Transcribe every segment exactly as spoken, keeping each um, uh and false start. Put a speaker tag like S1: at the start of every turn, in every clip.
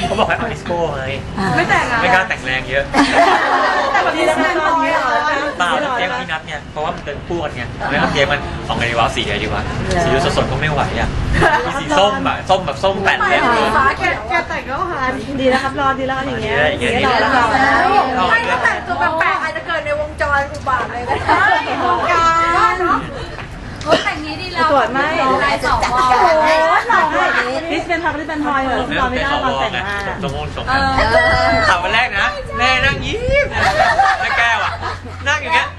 S1: เขาบอกให้เอาดิสโก้ไง
S2: ไม่แต่งอะ
S1: ไม่กล้าแต่งแรงเยอะ
S2: แต่แบบนี้แล้วนะตอนนี้เหรอ
S1: เปล่าเตรียมพี่นัทเนี่ยเพราะว่ามันเป็นคู่กันไงแล้วเตรียมมันออกไงดีวะสีอะไรดีวะสีสดๆก็ไม่ไหวอ่ะมีสีส้มแบบส้มแบบส้มแป่นเลยเลย
S2: ฟ้าแกแกแต่งก็หาดีแล้วครับรอดีแล้วอย่างเงี้ย
S1: อย่างเงี้ย
S2: รอแล้วรอแล้ว
S3: ไม่ก็แต่งตัวแปลกๆอาจจะเกิดในวงจรอุบาทเลยก็ได้วงการเนาะโอ้แต่งนี้ดีแล้ว
S2: ตรวจไม่
S3: ลายสองวอ
S2: โอ้
S3: ล
S2: ยหล่อมากนี่เป็นทำนี่เป็นทอยเหรอรอไม่ได้ตอนแต่งหน้า
S1: สมมติสมมติข่าววันแรกนะแม่นั่งยิ้มแม่แก้วอ่ะนั่งอย่างเงี้ย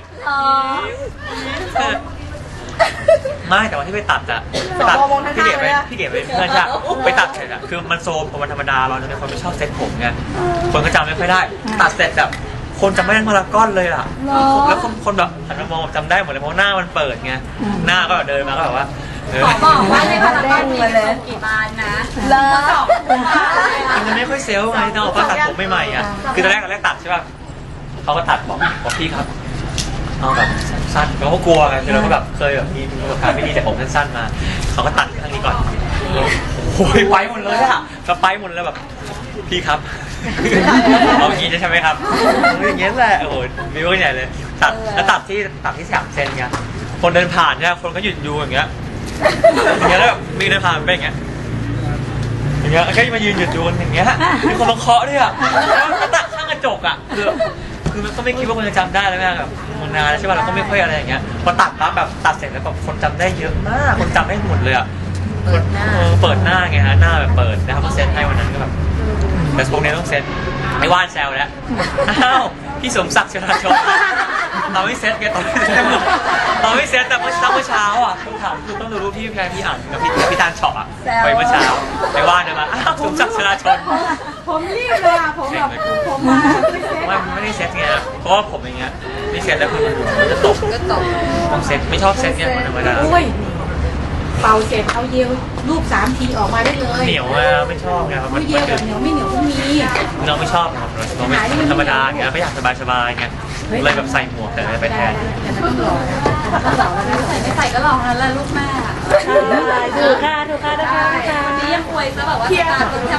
S1: ไม่แต่วันที่ไปตัดอะตัดพี่เก๋ไปพี่เก๋ไปเพื่อนใช่ไปตัดเสร็จอะคือมันโซมกว่าวันธรรมดาเราเนี่ยคนไม่ชอบเซ็ตผมไงคนก็จำไม่ค่อยได้ตัดเสร็จแบบคนจำไม่ได้พารากอนเลยอ่ะแล้วคนคนแบบหันมามองจำได้หมดเลยเพราะหน้ามันเปิดไงหน้าก็แบบเดินมาก็แบบว่า
S3: ขอบอกว่าในพารากอนมีส่งกี่บานนะเลิศ
S1: มันจะไม่ค่อยเซลล์ไงต้องบอกว่าตัดผมใหม่ๆอ่ะคือตอนแรกตอนแรกตัดใช่ป่ะเขาก็ตัดบอกบอกพี่ครับเอาแบบสั้นเราก็กลัวไงคือเราก็แบบเคยแบบมีประสบการณ์ไม่ดีแต่ผมสั้นๆมาเขาก็ตัดข้างนี้ก่อนโอ้ยไปหมดเลยอะก็ไปหมดเลยแบบพี่ครับเอาอย่างนี้ใช่ไหมครับอย่างเงี้ยแหละโอ้โหมีว่าใหญ่เลยตัดแล้วตัดที่ตัดที่สามเซนไงคนเดินผ่านเนี่ยคนก็หยุดดูอย่างเงี้ยอย่างเงี้ยแล้วแบบมีเดินผ่านเป็นอย่างเงี้ยอย่างเงี้ยแค่มายืนหยุดดูอย่างเงี้ยมีคนมาเคาะด้วยอ่ะแล้วตัดข้างกระจกอ่ะคือคือมันก็ไม่คิดว่าคนจะจำได้แล้วแม่แบบมันนานใช่ป่ะเราก็ไม่ค่อยอะไรอย่างเงี้ยพอตัดปั๊บแบบตัดเสร็จแล้วแบบคนจำได้เยอะมากคนจำได้หมดเลยอ่ะเปิดหน้าเปิดหน้าไงฮะหน้าแบบเปิดนะครับก็เซ็ตให้วันนั้นก็แบบแต่พวกนี้ต้องเซ็ตไอ้ว่านแซวแล้วอ้าวพี่สมศักดิ์ชลาชนเราไม่เซ็ตไงตอนไม่เซ็ตเราไม่เซ็ตแต่เมื่อเช้าเมื่อเช้าอ่ะคุณถามคุณต้องดูรูปพี่แพรพี่อ่านกับพี่พี่ตาลเฉาะอ่ะไปเมื่อเช้าไอ้ว่านเดินมาอ้าวสมศักดิ์ชลาชน
S2: ผมรีบเลยอ่ะผมแบบผมมาไม่เซ็ต
S1: ว่ามันไม่ได้เซ็ตไงเพราะว่าผมอย่างเงี้ยไม่เซ็ตแล้วคือมันมันจะตก
S3: ก็ตก
S1: ต้องเซ็ตไม่ชอบเซ็ตเนี่ยมันธรรมดา
S4: อุ้ยเป่าเสร็จเอาเยลรูปสามทีออกมาได้เลย
S1: เหนียวอ่ะไม่ชอบไงครับมัน
S4: เยลแบบเหนียวไม่เหนียวก็มี
S1: เราไม่ชอบครับเราไม่มันธรรมดาไงก็อยากสบายๆไงเลยแบบใส่หมวกแต่ไปแทน
S4: แต่มันต้องหล่อต้องหล่อแล้วนะ
S3: ใส่ไม่ใส่ก็ลองนั่นแหละลูกแม่
S2: ถูกค่ะถูกค่ะนะคะ
S3: วันนี้ยังอวยซะแบบว่าตาตัว